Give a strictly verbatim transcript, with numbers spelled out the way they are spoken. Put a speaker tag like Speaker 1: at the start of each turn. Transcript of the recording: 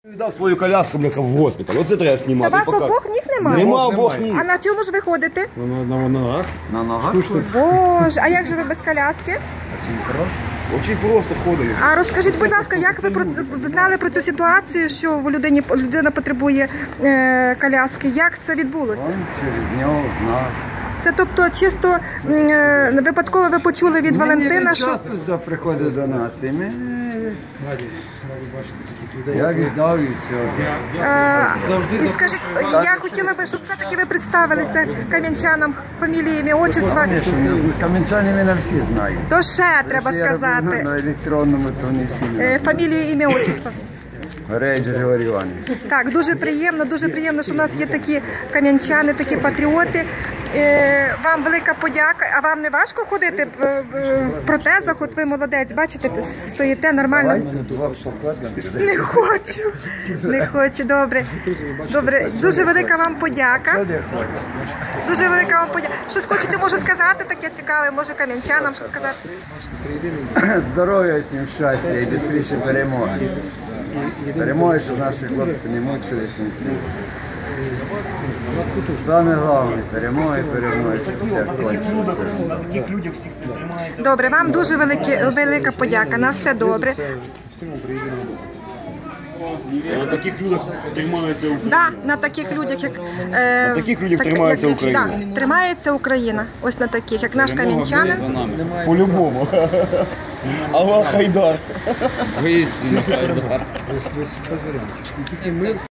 Speaker 1: Віддав свою коляску, бляха, в госпіталь. Оце треба
Speaker 2: Це
Speaker 1: знімати.
Speaker 2: вас обох ніг немає?
Speaker 1: Нема обох ніг.
Speaker 2: А на чому ж ви ходите?
Speaker 3: На, на ногах.
Speaker 1: На ногах?
Speaker 2: Боже, а як же ви без коляски?
Speaker 1: Очень просто ходить.
Speaker 2: А розкажіть, будь ласка, як ви про ви знали про цю ситуацію, що в людині людина потребує е, коляски? Як це відбулося?
Speaker 4: Он через нього знав.
Speaker 2: Це тобто чисто е, випадково ви почули від Валентина,
Speaker 4: Він
Speaker 2: що
Speaker 4: часто сюди приходить до нас, і ми... Я віддав і все.
Speaker 2: е, і скажіть, я хотіла би, щоб все-таки ви представилися кам'янчанам, фамілії, ім'я, отчества.
Speaker 4: Кам'янчани мене всі знають.
Speaker 2: То ще треба
Speaker 4: Я роблю
Speaker 2: сказати.
Speaker 4: на електронному, то вони всі
Speaker 2: Е,
Speaker 4: знають.
Speaker 2: Фамілії, ім'я, отчества.
Speaker 4: Грейдж Григорій Іванович.
Speaker 2: Так, дуже приємно, дуже приємно, що в нас є такі кам'янчани, такі патріоти. Е, вам велика подяка. А вам не важко ходити в, в, в протезах? От ви молодець, бачите, стоїте нормально. Не хочу, не хочу, добре. Добре, дуже велика вам подяка. Дуже велика вам подяка. Щось хочете, може, сказати таке цікаве, може кам'янчанам що сказати?
Speaker 4: Здоров'я всім, щастя і швидше перемоги. Перемоги, щоб наші хлопці не мучились нічим. Саме головне, перемоги, перемоги, щоб все кончилося.
Speaker 2: Добре, вам дуже великі, велика подяка. На все добре.
Speaker 1: На таких людях тримається Україна.
Speaker 2: Да, на таких людях, як е,
Speaker 1: На таких людях тримається
Speaker 2: як-
Speaker 1: Україна.
Speaker 2: Да, тримається Україна. Ось на таких, як наш кам'янчанин.
Speaker 1: По-любому. Аллах Хайдар.
Speaker 3: Без, без, без варіантів. І тільки ми